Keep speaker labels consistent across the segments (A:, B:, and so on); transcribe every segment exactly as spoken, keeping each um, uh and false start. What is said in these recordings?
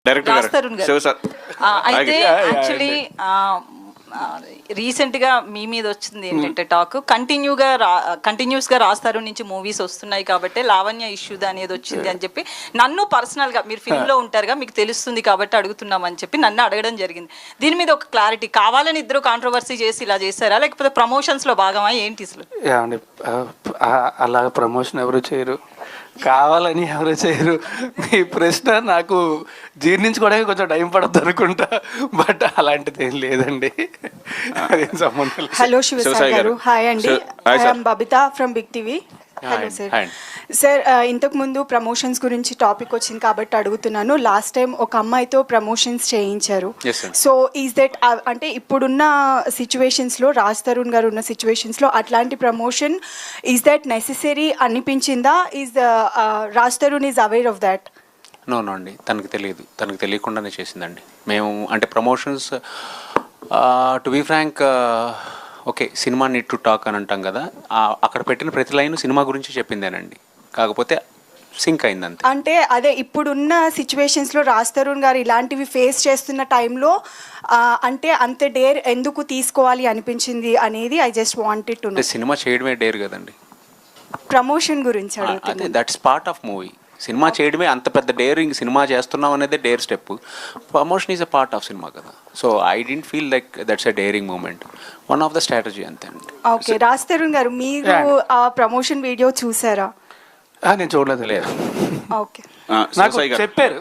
A: Director
B: Raj Tarun గారు.
A: Shiva sir
B: ఆ, అయితే యాక్చువల్లీ రీసెంట్గా మీ మీద వచ్చింది ఏంటంటే టాక్ కంటిన్యూగా రా కంటిన్యూస్గా రాస్తారు నుంచి మూవీస్ వస్తున్నాయి కాబట్టి లావణ్య ఇష్యూ అనేది వచ్చింది అని చెప్పి నన్ను పర్సనల్గా మీరు ఫిల్మ్లో ఉంటారుగా మీకు తెలుస్తుంది కాబట్టి అడుగుతున్నామని చెప్పి నన్ను అడగడం జరిగింది. దీని మీద ఒక క్లారిటీ కావాలని ఇద్దరు కాంట్రవర్సీ చేసి ఇలా చేశారా లేకపోతే ప్రమోషన్స్లో భాగమా ఏంటి అసలు?
C: ఏమండి అలా ప్రమోషన్ ఎవరు చేయరు, కావాలని ఎవరు చేయరు. మీ ప్రశ్న నాకు జీర్ణించుకోవడానికి కొంచెం టైం పడుతుంది అనుకుంటా, బట్ అలాంటిది ఏం లేదండి. అదేం సంబంధం లేదు.
D: హలో శివసాయి గారు, హాయ్ అండి. I'm Babitha from Big TV. Hello sir. Sir ఇంతకు ముందు ప్రమోషన్స్ గురించి టాపిక్ వచ్చింది కాబట్టి అడుగుతున్నాను. లాస్ట్ టైం ఒక అమ్మాయితో ప్రమోషన్స్ చేయించారు. సో ఈజ్ దట్ అంటే ఇప్పుడున్న సిచ్యువేషన్స్లో రాజ్ తరుణ్ గారు ఉన్న సిచ్యువేషన్స్లో అట్లాంటి ప్రమోషన్ ఈజ్ దట్ నెసెసరీ అనిపించిందా? Is Raj Tarun is aware of that?
E: No no అండి, తనకు తెలియదు, తనకు తెలియకుండానే చేసిందండి. మేము అంటే promotions to be frank okay cinema need to talk అని అంటాం కదా, అక్కడ పెట్టిన ప్రతి లైన్ సినిమా గురించి చెప్పిందేనండి, కాకపోతే సింక్ అయిందంతే.
D: అంటే అదే ఇప్పుడున్న సిచ్యువేషన్స్లో రాజ్ తరుణ్ గారు ఇలాంటివి ఫేస్ చేస్తున్న టైంలో అంటే అంత డేర్ ఎందుకు తీసుకోవాలి అనిపించింది అనేది I just wanted to know.
E: Cinema చేయడమే డేర్ కదండి,
D: ప్రమోషన్ గురించి అడుగుతుంది.
E: అదే that's part of movie. Cinema చేయడమే అంత పెద్ద డేరింగ్, సినిమా చేస్తున్నాం అనేది dare step, promotion is a part of cinema కదా. So I don't feel like that's a daring moment, one of the strategy అంతే అండి.
D: ఓకే రాజ్ తరుణ్ గారు, మీరు ఆ ప్రమోషన్ వీడియో చూసారా?
C: నేను చూడలేదు. లేదు.
D: ఓకే
C: నాకు చెప్పారు,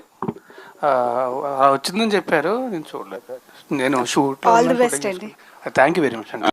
C: వచ్చిందని చెప్పారు, నేను చూడలేదు. నేను షూట్.
D: ఆల్ ది బెస్ట్ అండి.
C: థ్యాంక్ యూ వెరీ మచ్ అండి.